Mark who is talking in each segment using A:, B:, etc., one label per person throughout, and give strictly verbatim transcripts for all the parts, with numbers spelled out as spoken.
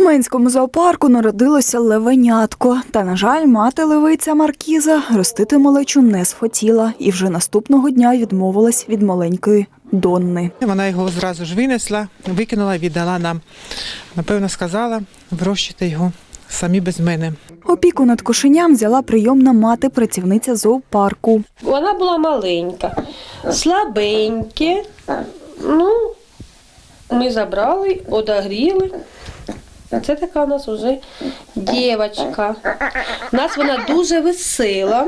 A: Менському зоопарку народилося левенятко. Та, на жаль, мати левиця Маркіза ростити малечу не схотіла і вже наступного дня відмовилась від маленької Донни.
B: Вона його зразу ж винесла, викинула, віддала нам. Напевно, сказала, вирощуйте його самі без мене.
A: Опіку над кошеням взяла прийомна мати, працівниця зоопарку.
C: Вона була маленька, слабеньке. Ну, ми забрали, одогріли. Це така у нас вже дівчинка. У нас вона дуже весела.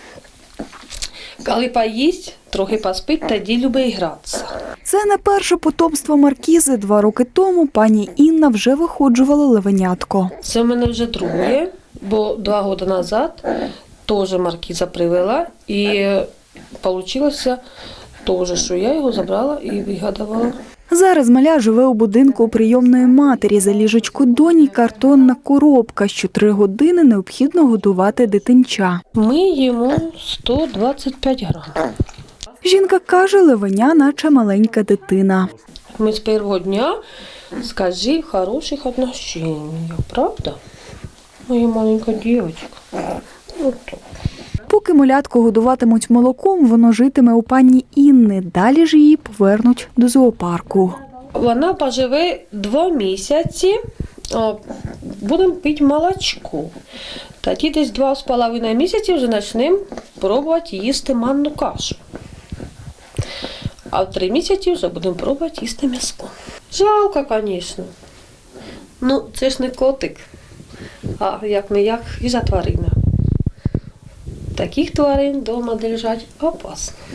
C: Коли поїсть, трохи поспить, тоді любить гратися.
A: Це не перше потомство Маркізи. Два роки тому пані Інна вже виходжувала левенятко.
C: Це в мене вже друге, бо два роки назад теж Маркіза привела. І вийшло теж, що я його забрала і вигадувала.
A: Зараз маля живе у будинку прийомної матері. За ліжечку доні картонна коробка. Що три години необхідно годувати дитинча.
C: Ми їмо сто двадцять п'ять грам.
A: Жінка каже, левеня наче маленька дитина.
C: Ми з першого дня, скажи, в хороших отношениях, правда? Моя маленька дівчинка. От так.
A: Поки малятку годуватимуть молоком, воно житиме у пані Інни. Далі ж її повернуть до зоопарку.
C: Вона поживе два місяці, будемо пити молочко. Тоді десь два з половиною місяці вже почнемо пробувати їсти манну кашу. А в три місяці вже будемо пробувати їсти м'ясо. Жалко, звісно. Ну, це ж не котик, а як не як хижа тварина. Таких тварин вдома держать опасно.